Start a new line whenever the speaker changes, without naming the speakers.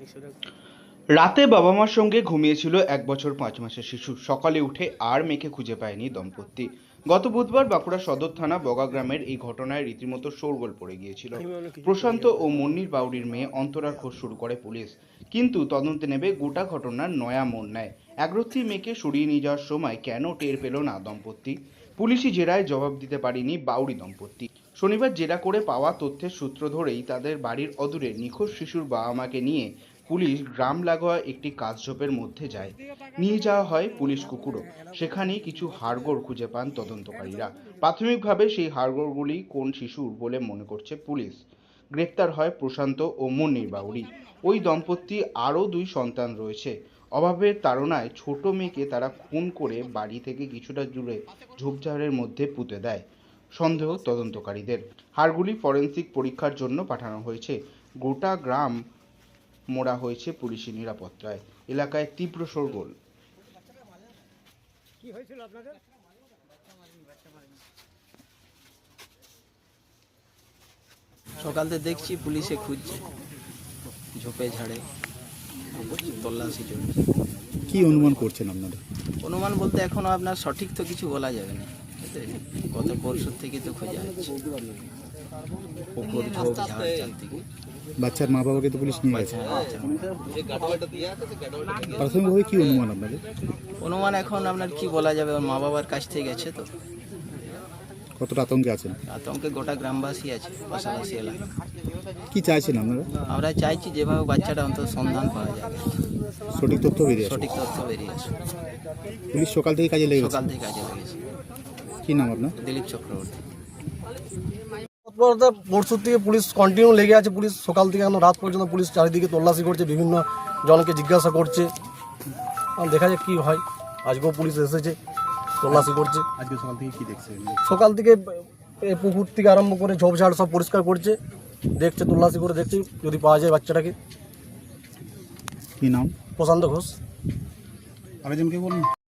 রাতে বাবা মার সঙ্গে ঘুমিয়েছিল 1 বছর 5 মাসের শিশু। সকালে উঠে আর মেয়েকে খুঁজে পায়নি দম্পতি। গত বুধবার বাঁকুড়া সদর থানা বগা গ্রামের এই ঘটনায় রীতিমতো শোরগোল পড়ে গিয়েছিল। প্রশান্ত ও মুন্নির বাউরির মেয়ে অন্তরার খোঁজ শুরু করে পুলিশ, কিন্তু তদন্তে নেবে গোটা ঘটনার নয়া মোড় নেয়। একরত্তি মেয়েকে সরিয়ে নিয়ে যাওয়ার সময় কেন টের পেল না দম্পতি? পুলিশি জেরায় জবাব দিতে পারেনি বাউরি দম্পতি। শনিবার জেরা করে পাওয়া তথ্যের সূত্র ধরেই তাদের বাড়ির অদূরে নিখোঁজ শিশুর বাবা মাকে নিয়ে পুলিশ গ্রাম লাগোয়া একটি কাশঝোপের মধ্যে যায়। নিয়ে যাওয়া হয় পুলিশ কুকুরও। সেখানেই কিছু হাড়গোড় খুঁজে পান তদন্তকারীরা। প্রাথমিকভাবে সেই হাড়গোড়গুলি কোন শিশুর বলে মনে করছে পুলিশ। গ্রেপ্তার হয় প্রশান্ত ও মুন্নির বাউরি। ওই দম্পতি আরও 2 সন্তান রয়েছে। অভাবের তাড়নায় ছোট মেয়েকে তারা খুন করে বাড়ি থেকে কিছুটা দূরে ঝোপঝাড়ের মধ্যে পুঁতে দেয় সন্দেহ তদন্তকারীদের। হাড়গুলি ফরেনসিক পরীক্ষার জন্য পাঠানো হয়েছে। গোটা গ্রাম মোড়া হয়েছে পুলিশি নিরাপত্তায়। এলাকায় তীব্র শোরগোল।
সকাল থেকে দেখছি পুলিশে খুঁজছে, ঝোপে ঝাড়ে তল্লাশি চলছে।
কি অনুমান করছেন আপনারা?
অনুমান বলতে এখনো আপনার সঠিক তো কিছু বলা যাবে না। গত পরশু থেকে তো খোঁজা হচ্ছে, পুকুর ঝোপ ঝাড় চারদিকে।
বাচ্চার মা বাবাকে তো পুলিশ নিয়ে গেছে। প্রাথমিকভাবে কি অনুমান আপনাদের?
অনুমান এখন আপনার কি বলা যাবে, ওর মা বাবার কাছ থেকে গেছে তো।
কতটা আতঙ্কে আছেন?
আতঙ্কে গোটা গ্রামবাসী আছে, পাশাপাশি এলাকা।
কি চাইছেন আপনারা?
আমরা চাইছি যেভাবে বাচ্চাটা অন্তত সন্ধান পাওয়া যাবে,
সঠিক তথ্য বেরিয়ে আসে।
সঠিক তথ্য বেরিয়ে আসে।
পুলিশ সকাল থেকে কাজে লেগে গেছে।
সকাল থেকে কাজে লেগেছে।
কি নাম আপনার?
দিলীপ চক্রবর্তী।
পরশুর থেকে পুলিশ কন্টিনিউ লেগে আছে। পুলিশ সকাল থেকে এখন রাত পর্যন্ত পুলিশ চারিদিকে তল্লাশি করছে, বিভিন্ন জনকে জিজ্ঞাসা করছে। দেখা যাক কি হয়। আজকেও পুলিশ এসেছে, তল্লাশি করছে।
আজকে সকাল থেকে কি দেখছেন?
সকাল থেকে পুকুর থেকে আরম্ভ করে ঝোপঝাড় সব পরিষ্কার করছে, দেখছে, তল্লাশি করে দেখছি যদি পাওয়া যায় বাচ্চাটাকে।
কি নাম?
প্রশান্ত ঘোষ।
আরেকজনকে বলুন।